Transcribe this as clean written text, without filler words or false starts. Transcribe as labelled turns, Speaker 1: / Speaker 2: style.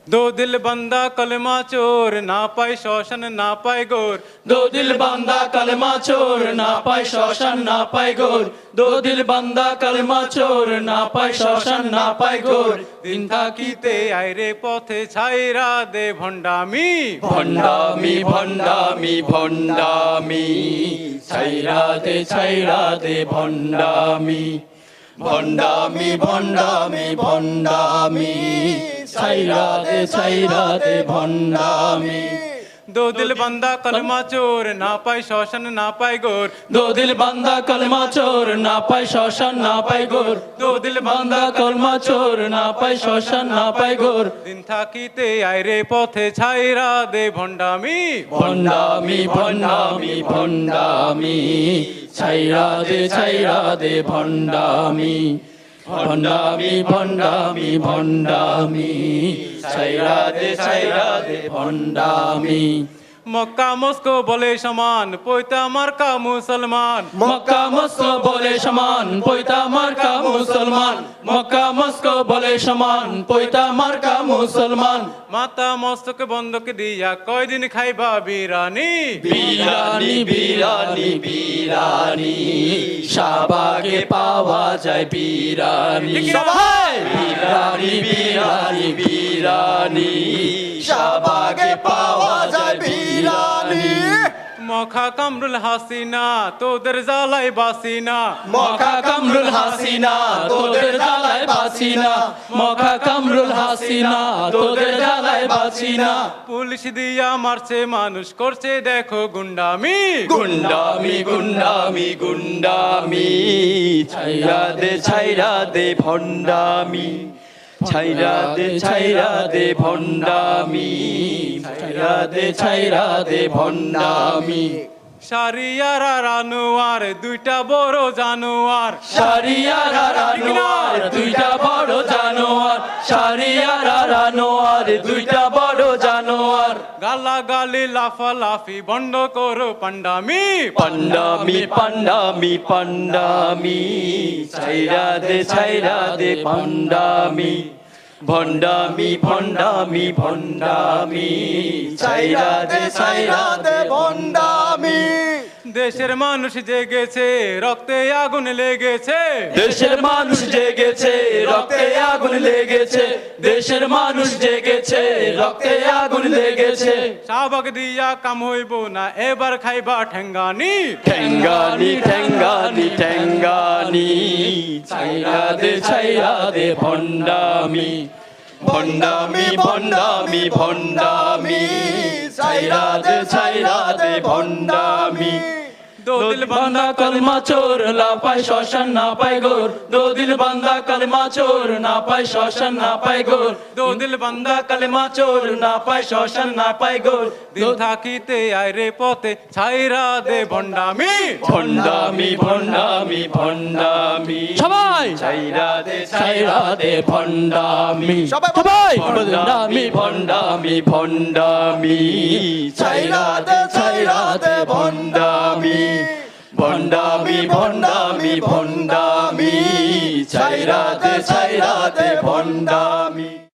Speaker 1: दो दिल बंदा कलमा चोर ना पाए शोषण ना पाए गोर
Speaker 2: दो दिल बंदा कलमा चोर ना पाए शोषण ना पाए गोर दो दिल बंदा कलमा चोर ना पाए शोषण ना पाए गोर
Speaker 1: दिन থাকিতে আইরে পথে ছাইরা দে ভন্ডামি
Speaker 2: ভন্ডামি ভন্ডামি ভন্ডামি ছাইরা দে ভন্ডামি ভন্ডামি ভন্ডামি ভন্ডামি ছাইরা দে ভন্ডামি
Speaker 1: दो दिल बंदा कलमा चोर ना पाए शोषण ना पाए गोर
Speaker 2: दो दिल बंदा कलमा चोर ना पाए शोषण ना पाए गोर दो दिल बंदा कलमा चोर ना पाए शोषण ना पाए गोर
Speaker 1: दिन থাকিতে আইরে পথে ছাইরা দে ভন্ডামি
Speaker 2: ভন্ডামি ভন্ডামি ভন্ডামি ছাইরা দে ভন্ডামি ভন্ডামি ভন্ডামি ভন্ডামি ছাইরা দে ভন্ডামি
Speaker 1: মক্কা মস্কো বলে সমান পয়তা মার্কা মুসলমান
Speaker 2: মক্কা মস্কো বলে সমান পয়তা মার্কা মুসলমান মক্কা মস্কো বলে সমান পয়তা মার্কা মুসলমান
Speaker 1: মাতা মস্তক বন্ধক দিয়া কয়দিন খাইবা বিরানি
Speaker 2: বিরানি বিরানি বিরানি শাহবাগে পাওয়া যায় বিরানি
Speaker 1: সবাই!
Speaker 2: বিরানি বিরানি বিরানি শাহবাগে পাওয়া যায় বিরানি
Speaker 1: মখা কামরুল হাসিনা তোদের জ্বালাই বাসিনা
Speaker 2: মখা কামরুল হাসিনা তোদের জ্বালায় বাসিনা মখা কামরুল হাসিনা তোদের জ্বালায় বাসিনা
Speaker 1: পুলিশ দিয়া মারছে মানুষ করছে দেখো গুন্ডামি
Speaker 2: গুন্ডামি গুন্ডামি গুন্ডামি ছাইরা দে ভন্ডামি ছাইরা দে ভন্ডামি ছাইরা দে ভন্ডামি
Speaker 1: সারিয়ারা রানোয়ার দুইটা বড় জানোয়ার
Speaker 2: সারিয়ারা রানোয়ার দুইটা বড় জানোয়ার সারিয়ারা রানোয়ার দুইটা বড় জানোয়ার
Speaker 1: গালাগালি লাফালাফি বন্ধ করো পান্ডামি
Speaker 2: পান্ডামি পান্ডামি পান্ডামি ছাইরা দে পান্ডামি ভন্ডামি ভন্ডামি ভন্ডামি ছাইরা দে ভন্ডামি
Speaker 1: দেশের মানুষ জেগেছে রক্তে আগুন লেগেছে
Speaker 2: দেশের মানুষ জেগেছে রক্তে আগুন লেগেছে দেশের মানুষ জেগেছে রক্তে আগুন লেগেছে
Speaker 1: শাহবাগ দিয়া কাম হইব না এবার খাইবা ঠেঙ্গানি
Speaker 2: ঠেঙ্গানি ঠেঙ্গানি ঠেঙ্গানি ছাইরা দে ভন্ডামি ভন্ডামি ভন্ডামি ভন্ডামি ছাইরা দে ভন্ডামি दो दिल बंदा कलमा चोर ना पाए शोषण ना पाए गोर दो दिल बंदा कलमा चोर ना पाए शोषण ना पाए गोर दो दिल बंदा कलमा चोर ना पाए शोषण ना पाए गोर
Speaker 1: দিন থাকিতে আইরে পথে ছাইরা দে ভন্ডামি
Speaker 2: ভন্ডামি ভন্ডামি ভন্ডামি
Speaker 3: সবাই
Speaker 2: ছাইরা দে ভন্ডামি
Speaker 3: সবাই
Speaker 2: ভন্ডামি ভন্ডামি ভন্ডামি ছাইরা দে ভন্ডামি ভন্ডামি ভন্ডামি ভন্ডামি ছাইরা দে ভন্ডামি